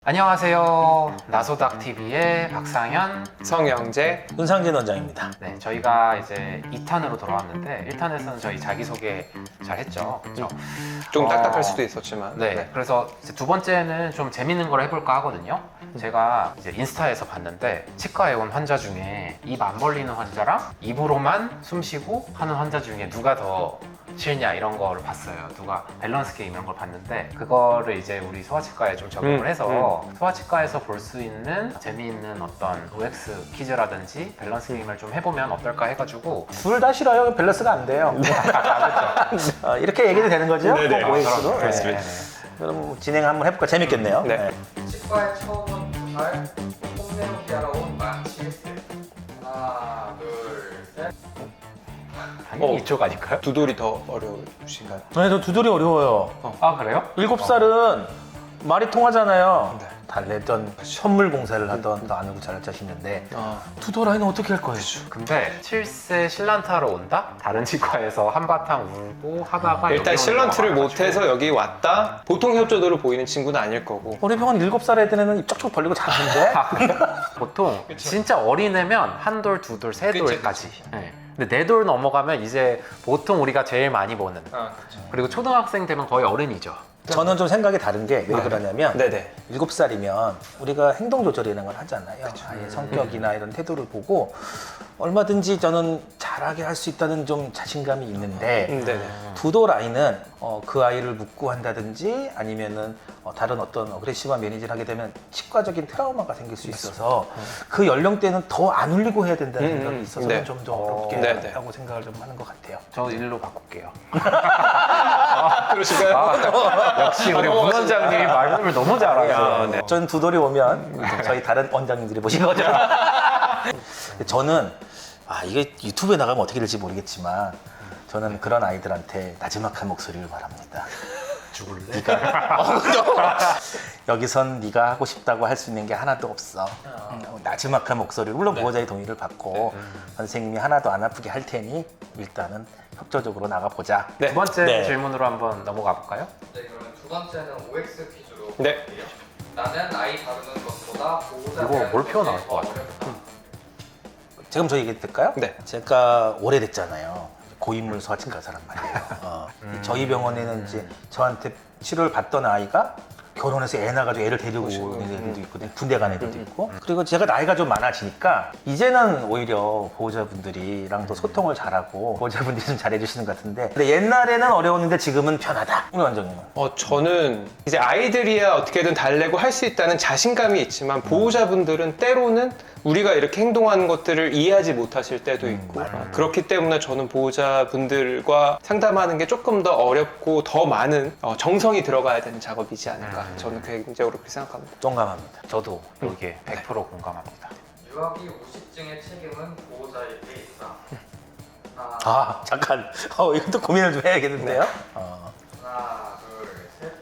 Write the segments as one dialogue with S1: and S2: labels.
S1: 안녕하세요. 나소닥TV의 박상현,
S2: 성영재,
S3: 윤상진 원장입니다.
S1: 네, 저희가 이제 2탄으로 돌아왔는데 1탄에서는 저희 자기소개 잘 했죠. 그렇죠?
S2: 좀 딱딱할 수도 있었지만
S1: 네, 그래서 이제 두 번째는 좀 재밌는 걸 해볼까 하거든요. 제가 이제 인스타에서 봤는데 치과에 온 환자 중에 입 안 벌리는 환자랑 입으로만 숨 쉬고 하는 환자 중에 누가 더 싫냐 이런 거를 봤어요. 누가 밸런스 게임 이런 걸 봤는데 그거를 이제 우리 소아치과에 좀 적용을 해서 소아치과에서 볼 수 있는 재미있는 어떤 OX 퀴즈라든지 밸런스 게임을 좀 해보면 어떨까 해가지고
S3: 둘 다 싫어요. 밸런스가 안 돼요. 이렇게 얘기도 되는 거죠?
S2: 네네.
S3: OX로?
S2: 그렇습니다.
S3: 그럼 진행 한번 해볼까? 재밌겠네요.
S2: 네.
S4: 치과에 처음 온 2살 홈내용 피하러 온 만 7세 하나 둘셋
S1: 당연히 이쪽 아닐까요?
S2: 두돌이 더 어려우신가요?
S3: 네, 저 두돌이 어려워요.
S1: 아 그래요?
S3: 7살은 말이 통하잖아요.
S2: 네.
S3: 달래던 선물 공사를 하던 더 아는 잘 자시는데
S2: 아,
S3: 두돌 아이는 어떻게 할 거예요?
S1: 근데 7세 실란트하러 온다? 다른 치과에서 한바탕 울고 하다가
S2: 일단
S1: 여기 오는
S2: 실런트를
S1: 경우가 많아가지고.
S2: 못해서 여기 왔다? 보통 협조도로 보이는 친구는 아닐 거고
S3: 우리 병원 7살 애들은 입 쩍쩍 벌리고 자는데
S1: 보통 진짜 어린애면 한 돌, 두 돌, 세 돌까지. 네. 근데 네 돌 넘어가면 이제 보통 우리가 제일 많이 보는. 그리고 초등학생 되면 거의 어른이죠.
S3: 저는 좀 생각이 다른 게 왜 그러냐면
S2: 네네
S3: 7살이면 우리가 행동 조절이라는 걸 하잖아요. 아이의 성격이나 이런 태도를 보고 얼마든지 저는 잘하게 할 수 있다는 좀 자신감이 있는데
S2: 네네
S3: 두 돌 아이는 그 아이를 묻고 한다든지 아니면은 다른 어떤 어그레시브한 매니지를 하게 되면 치과적인 트라우마가 생길 수 있어서 그 연령대는 더 안 울리고 해야 된다는 생각이 있어서
S2: 네.
S3: 좀 더 어렵게
S2: 네네.
S3: 하고 생각을 좀 하는 것 같아요.
S1: 저 일로 바꿀게요.
S2: 그러실까요?
S1: 역시 우리 문 원장님이 말씀을 너무 잘하세요.
S2: 네.
S3: 전 두 돌이 오면 저희 다른 원장님들이 보신 거죠. 저는 이게 유튜브에 나가면 어떻게 될지 모르겠지만 저는 그런 아이들한테 나지막한 목소리를 바랍니다.
S1: 죽을래?
S3: 여기선 네가 하고 싶다고 할 수 있는 게 하나도 없어. 나지막한 목소리를 물론 보호자의 동의를 받고 선생님이 하나도 안 아프게 할 테니 일단은 협조적으로 나가보자.
S2: 네.
S1: 두 번째
S3: 네.
S1: 질문으로 한번 넘어가 볼까요?
S4: 네, 그러면 두 번째는 OX 퀴즈로
S2: 네.
S4: 볼게요. 나는 아이 다루는 것보다 보호자
S1: 이거
S4: 대하는
S1: 뭘
S4: 것이
S1: 표현할 것
S4: 더
S1: 같아요?
S4: 어렵다.
S3: 지금 저 얘기 될까요?
S2: 네.
S3: 제가 오래됐잖아요. 고인물 소아치과사란 말이에요. 저희 병원에는 이제 저한테 치료를 받던 아이가 결혼해서 애 낳아가지고 애를 데리고 오는 애들도 있거든요. 군대 간 애들도 있고. 그리고 제가 나이가 좀 많아지니까 이제는 오히려 보호자분들이랑도 소통을 잘하고 보호자분들이 좀 잘해주시는 것 같은데 근데 옛날에는 어려웠는데 지금은 편하다. 우리 원장님은.
S2: 저는 이제 아이들이야 어떻게든 달래고 할 수 있다는 자신감이 있지만 보호자분들은 때로는 우리가 이렇게 행동하는 것들을 이해하지 못하실 때도 있고 그렇기 때문에 저는 보호자분들과 상담하는 게 조금 더 어렵고 더 많은 정성이 들어가야 되는 작업이지 않을까 저는 개인적으로 그렇게 생각합니다.
S3: 동감합니다.
S1: 저도 여기에 100% 공감합니다.
S4: 유아기 우식증의 책임은 보호자에게 있다.
S3: 잠깐. 이것도 고민을 좀 해야겠는데요.
S4: 하나 둘셋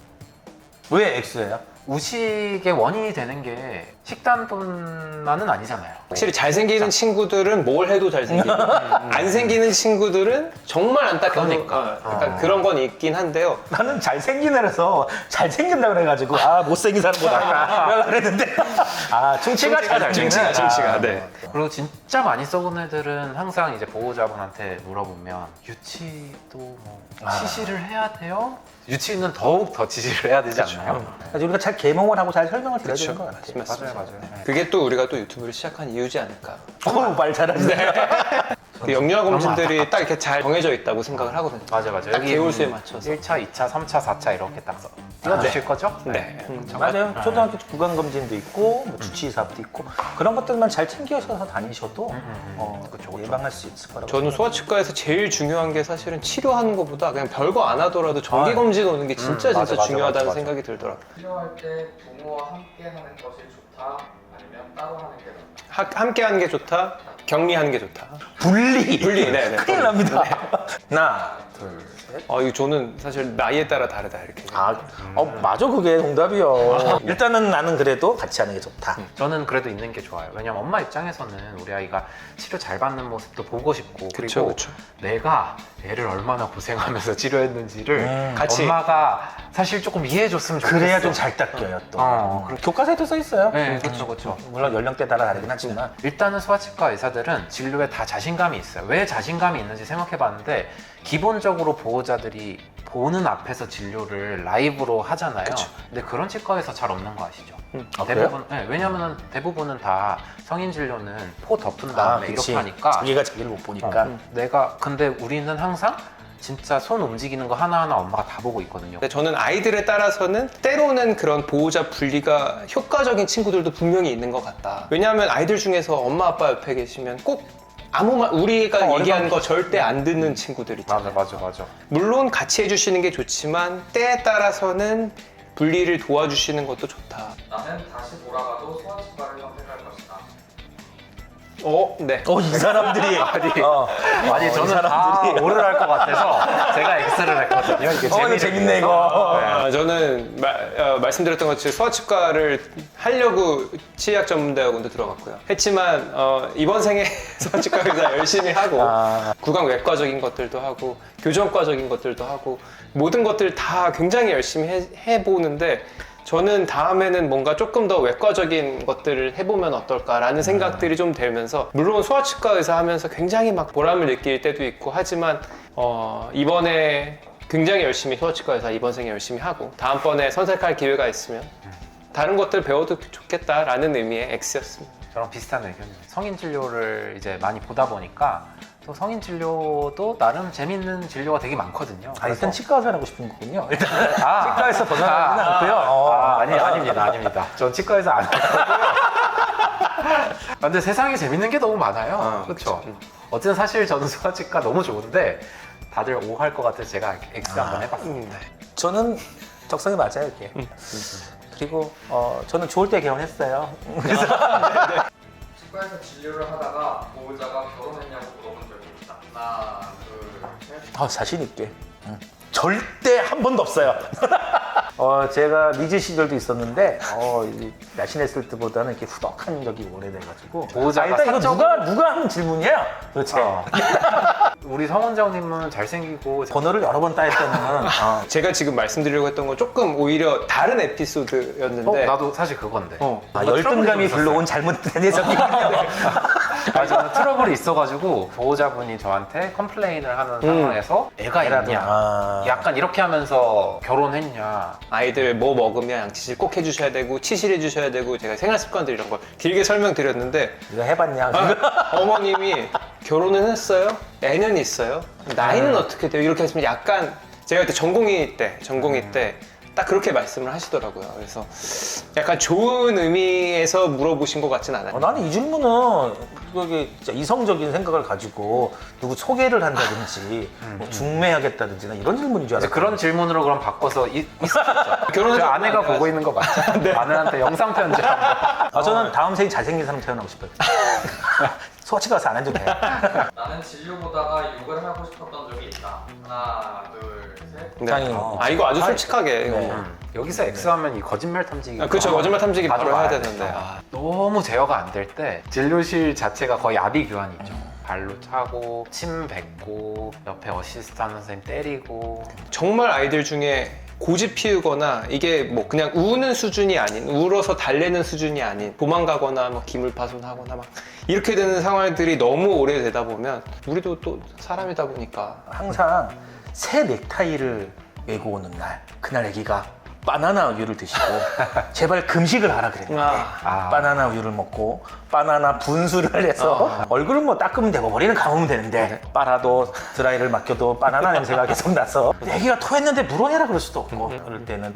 S3: 왜 X예요?
S1: 우식의 원인이 되는 게 식단뿐만은 아니잖아요.
S2: 확실히 잘생기는 친구들은 뭘 해도 잘생기고 안 생기는 친구들은 정말 안타까운
S1: 그러니까.
S2: 약간 그런 건 있긴 한데요.
S3: 나는 잘생긴 애라서 잘생긴다 그래가지고 못생긴 사람보다 그랬는데 충치가 잘생긴
S2: 충치가 네.
S1: 그리고 진짜 많이 썩은 애들은 항상 이제 보호자분한테 물어보면 유치도 뭐 치실을 해야 돼요? 유치는 더욱 더 치실을 해야 되지 않나요?
S3: 그래서 우리가 잘 개몽을 하고 잘 설명을 드려야 되는 것 같아요.
S2: 맞습니다.
S1: 맞아요.
S2: 그게 또 우리가 또 유튜브를 시작한 이유지 않을까.
S3: 말 잘하시네.
S2: 그 영유아 검진들이 딱 이렇게 잘 정해져 있다고 생각을 하거든요.
S1: 맞아.
S2: 딱 개월수에 맞춰서.
S1: 1차, 2차, 3차, 4차 이렇게 딱 띄워주실 거죠?
S2: 네.
S3: 맞아요. 초등학교 구강검진도 있고 뭐 주치의사부도 있고 그런 것들만 잘 챙겨서 다니셔도 예방할 수 있을 거라고
S2: 저는 소아치과에서 제일 중요한 게 사실은 치료하는 것보다 그냥 별거 안 하더라도 정기검진 오는 게 진짜
S3: 맞아,
S2: 중요하다는
S3: 맞아.
S2: 생각이 들더라고요.
S4: 필요할 때 부모와 함께 하는 것이 좋다 아니면 따로 하는 게 낫다.
S2: 함께 하는 게 좋다, 격리하는 게 좋다.
S3: 분리
S2: 분리, 네네.
S3: 큰일 납니다. 하나, 둘, 셋.
S2: 이거 저는 사실 나이에 따라 다르다 이렇게.
S3: 맞아, 그게 정답이요. 일단은 나는 그래도 같이 하는 게 좋다.
S1: 저는 그래도 있는 게 좋아요. 왜냐면 엄마 입장에서는 우리 아이가 치료 잘 받는 모습도 보고 싶고
S2: 그쵸,
S1: 그리고
S2: 그쵸.
S1: 내가 애를 얼마나 고생하면서 치료했는지를
S2: 같이.
S1: 엄마가 사실 조금 이해해줬으면 좋겠어.
S3: 그래야 좀 잘 닦여요, 또.
S1: 그리고
S3: 교과서에도 써 있어요.
S1: 네, 그렇죠, 그렇죠.
S3: 물론 연령대 따라 다르긴 하지만.
S1: 일단은 소아치과 의사들은 진료에 다 자신감이 있어요. 왜 자신감이 있는지 생각해봤는데 기본적으로 보호자들이 보는 앞에서 진료를 라이브로 하잖아요. 근데 그런 치과에서 잘 없는 거 아시죠? 대부분, 네, 왜냐면은 대부분은 다 성인 진료는 포 덮은 다음에 이렇게 하니까
S3: 자기가 자기를 못 보니까.
S1: 근데 우리는 항상 진짜 손 움직이는 거 하나하나 엄마가 다 보고 있거든요.
S2: 근데 저는 아이들에 따라서는 때로는 그런 보호자 분리가 효과적인 친구들도 분명히 있는 것 같다. 왜냐하면 아이들 중에서 엄마 아빠 옆에 계시면 꼭 아무 말 우리가 얘기하는 거 절대 안 듣는 친구들 있잖아요.
S1: 맞아.
S2: 물론 같이 해주시는 게 좋지만 때에 따라서는 분리를 도와주시는 것도 좋다.
S4: 나는 다시 돌아가도 소아치과를 선택할 것이다.
S2: 네.
S3: 이 사람들이.
S1: 아니
S3: 이
S1: 저는 다 오를 할 것 같아서 제가 X를 했거든요. 이게
S3: 이거 재밌네, 이거.
S2: 저는 말씀드렸던 것처럼 소아치과를 하려고 치의학 전문대학원도 들어갔고요. 했지만 이번 생에 소아치과 의사 열심히 하고 구강 외과적인 것들도 하고 교정과적인 것들도 하고 모든 것들 다 굉장히 열심히 해보는데 저는 다음에는 뭔가 조금 더 외과적인 것들을 해보면 어떨까라는 생각들이 좀 들면서 물론 소아치과 의사 하면서 굉장히 막 보람을 느낄 때도 있고 하지만 이번에 굉장히 열심히 소아치과 의사 이번 생에 열심히 하고 다음번에 선택할 기회가 있으면 다른 것들 배워도 좋겠다라는 의미의 X였습니다.
S1: 저랑 비슷한 의견이에요. 성인 진료를 이제 많이 보다 보니까 또 성인 진료도 나름 재밌는 진료가 되게 많거든요.
S3: 일단 치과 의사 하고 싶은 거군요. 일단
S1: 아,
S3: 치과에서 벗어나지는 않고요.
S1: 아닙니다. 전 치과에서 안 하고요. 근데 세상에 재밌는 게 너무 많아요. 그렇죠. 어쨌든 사실 저는 소아치과 너무 좋은데 다들 O 할 것 같아서 제가 X 한번 해봤습니다.
S3: 저는 적성에 맞아요, 이게. 그리고 저는 좋을 때 결혼했어요. 그래서
S4: 치과에서 진료를 하다가 보호자가 결혼했냐고 물어본 적이 있다. 하나, 둘, 셋.
S3: 자신 있게. 절대 한 번도 없어요. 제가 미즈 시절도 있었는데 날씬했을 때보다는 이렇게 후덕한 적이 오래돼가지고
S1: 보호자가
S3: 일단 이거
S1: 사적으로-
S3: 누가 하는 질문이야? 도대체
S1: 우리 성원장님은 잘생기고
S3: 번호를 여러 번 따했다는
S2: 제가 지금 말씀드리려고 했던 건 조금 오히려 다른 에피소드였는데
S1: 나도 사실 그건데.
S3: 열등감이 불러온 잘못된 해석이군요.
S1: 저는 트러블이 있어가지고 보호자분이 저한테 컴플레인을 하는 상황에서 애가 있냐, 약간 이렇게 하면서 결혼했냐.
S2: 아이들 뭐 먹으면 양치질 꼭 해주셔야 되고 치실해 주셔야 되고 제가 생활습관들 이런 걸 길게 설명드렸는데
S3: 이거 해봤냐?
S2: 어머님이 결혼은 했어요? 애는 있어요? 나이는 어떻게 돼요? 이렇게 하시면 약간 제가 그때 전공의 때 딱 그렇게 말씀을 하시더라고요. 그래서 약간 좋은 의미에서 물어보신 것 같진 않아요.
S3: 나는 이 질문은 이게 진짜 이성적인 생각을 가지고 누구 소개를 한다든지 뭐 중매하겠다든지 나 이런 질문인 줄
S1: 이제
S3: 알았어요.
S1: 그런 질문으로 그럼 바꿔서 있었죠.
S2: 결혼은
S1: 저 아내가 보고 있는 거 맞죠? 아내한테 영상 편지 한번.
S3: 저는 다음 생에 잘생긴 사람 태어나고 싶어요. 소아치과 가서 안 해도 돼요.
S4: 나는 진료 보다가 욕을 하고 싶었던 적이 있다. 하나, 둘, 셋.
S2: 네. 이거 아주 솔직하게 이거.
S3: 네.
S1: 여기서 X하면 이 거짓말 탐지기.
S2: 그렇죠. 거짓말 탐지기 바로 해야
S1: 돼.
S2: 되는데.
S1: 너무 제어가 안 될 때 진료실 자체가 거의 아비규환이죠. 발로 차고 침 뱉고 옆에 어시스트하는 선생님 때리고.
S2: 정말 아이들 중에 고집 피우거나 이게 뭐 그냥 우는 수준이 아닌 울어서 달래는 수준이 아닌 도망가거나 뭐 기물파손하거나 막 이렇게 되는 상황들이 너무 오래되다 보면 우리도 또 사람이다 보니까
S3: 항상 새 넥타이를 메고 오는 날 그날 애기가 바나나 우유를 드시고 제발 금식을 하라 그랬는데 바나나 우유를 먹고 바나나 분수를 해서 얼굴을 뭐 닦으면 되고 머리는 감으면 되는데 빨아도 드라이를 맡겨도 바나나 냄새가 계속 나서 애기가 토했는데 물어내라 그럴 수도 없고 그럴 때는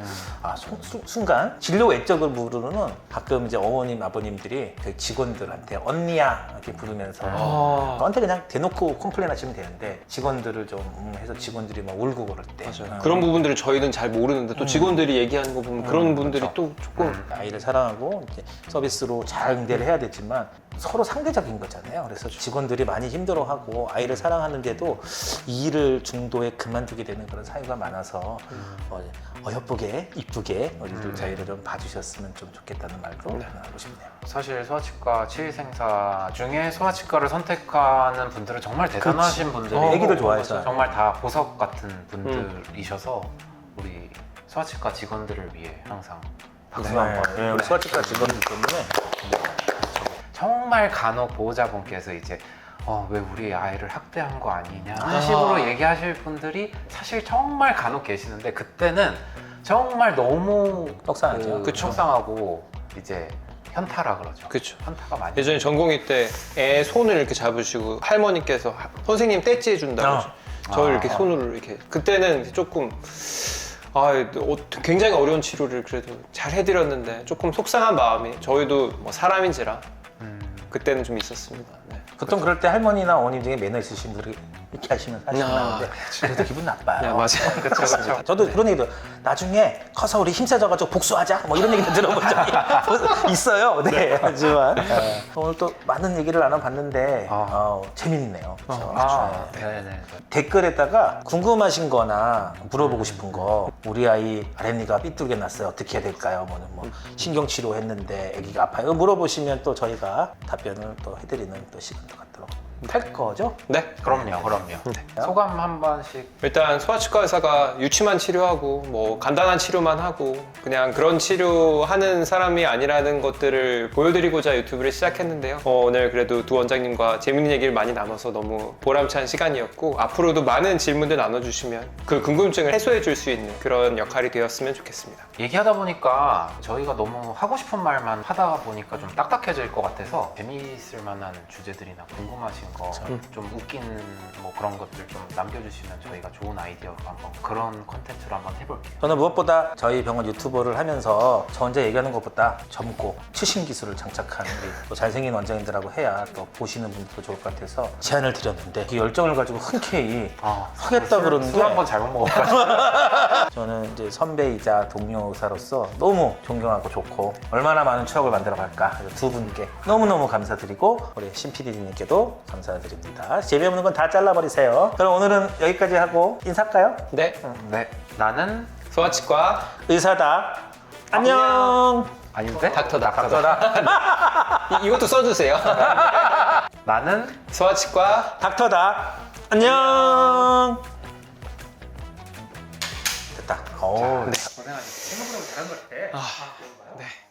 S3: 순간 진료 외적을 부르는 가끔 이제 어머님 아버님들이 그 직원들한테 언니야 이렇게 부르면서 너한테 그냥 대놓고 컴플레인 하시면 되는데 직원들을 좀 해서 직원들이 막 울고 그럴 때
S2: 그런 부분들을 저희는 잘 모르는데 또 직원들이 얘기하는 거 보면 그런 분들이
S1: 그렇죠.
S2: 또 조금
S3: 아이를 사랑하고 이제 서비스로 잘 응대를 해야 되지만 서로 상대적인 거잖아요. 그래서 직원들이 많이 힘들어하고 아이를 사랑하는데도 이 일을 중도에 그만두게 되는 그런 사유가 많아서 어여쁘게 이쁘게 우리들 저희를 좀 봐주셨으면 좀 좋겠다는 말도 하고 싶네요.
S1: 사실 소아치과 치의생사 중에 소아치과를 선택하는 분들은 정말 대단하신 분들이고
S3: 애기들 좋아해서.
S1: 정말 다 보석 같은 분들이셔서 우리 소아치과 직원들을 위해 항상 박수 한번.
S3: 네, 우리 소아치과 직원들 때문에
S1: 정말 간혹 보호자분께서 이제 왜 우리 아이를 학대한 거 아니냐 하는 식으로 얘기하실 분들이 사실 정말 간혹 계시는데 그때는 정말 너무
S3: 떡상하죠.
S2: 그쵸.
S1: 속상하고 이제 현타라 그러죠.
S2: 그쵸.
S1: 현타가 많이.
S2: 예전에 전공의 때 애 손을 이렇게 잡으시고 할머니께서 선생님 떼찌 해준다고 저를 이렇게 손으로 이렇게 그때는 조금 굉장히 어려운 치료를 그래도 잘 해드렸는데 조금 속상한 마음이 저희도 뭐 사람인지라 그때는 좀 있었습니다. 네.
S3: 보통 그럴 때 할머니나 어머님 중에 매너 있으신 분들이 이렇게 하시면 사실 나는데 그래도 기분 나빠요.
S2: 네, 맞아요.
S1: 그렇죠.
S3: 저도 그런 얘기도 나중에 커서 우리 힘세져가지고 복수하자 뭐 이런 얘기도 들어본 적이 있어요. 네, 하지만 오늘 또 많은 얘기를 나눠봤는데 재밌네요. 그렇죠?
S1: 네네.
S3: 댓글에다가 궁금하신 거나 물어보고 싶은 거 우리 아이 아랫니가 삐뚤게 났어요. 어떻게 해야 될까요? 뭐 신경치료 했는데 아기가 아파요. 물어보시면 또 저희가 답변을 또 해드리는 또 시간도 갖도록 할 거죠?
S2: 네.
S1: 그럼요. 소감 한 번씩.
S2: 일단 소아치과 의사가 유치만 치료하고 뭐 간단한 치료만 하고 그냥 그런 치료하는 사람이 아니라는 것들을 보여드리고자 유튜브를 시작했는데요. 오늘 그래도 두 원장님과 재밌는 얘기를 많이 나눠서 너무 보람찬 시간이었고 앞으로도 많은 질문들 나눠주시면 그 궁금증을 해소해 줄 수 있는 그런 역할이 되었으면 좋겠습니다.
S1: 얘기하다 보니까 저희가 너무 하고 싶은 말만 하다 보니까 좀 딱딱해질 것 같아서 재미있을 만한 주제들이나 궁금하신 거 좀 웃긴 뭐 그런 것들 좀 남겨주시면 저희가 좋은 아이디어로 한번 그런 컨텐츠로 한번 해볼게요.
S3: 저는 무엇보다 저희 병원 유튜버를 하면서 저 혼자 얘기하는 것보다 젊고 최신 기술을 장착한 우리 또 잘생긴 원장님들하고 해야 또 보시는 분들도 좋을 것 같아서 제안을 드렸는데 그 열정을 가지고 흔쾌히 하겠다 그러는 게
S1: 술 한 번 잘못 먹어가지고.
S3: 저는 이제 선배이자 동료 의사로서 너무 존경하고 좋고 얼마나 많은 추억을 만들어 갈까 두 분께 너무너무 감사드리고 우리 신 PD님께도 감사드립니다. 재미없는 건 다 잘라버리세요. 그럼 오늘은 여기까지 하고 인사할까요?
S2: 네.
S1: 네. 나는
S2: 소아치과
S3: 의사다. 안녕.
S1: 아닌데?
S2: 닥터다. 이것도 써주세요.
S1: 나는
S2: 소아치과
S3: 닥터다. 안녕. 됐다.
S1: 고생하셨습니다. 생각보다 잘한 것 같아.
S2: 네.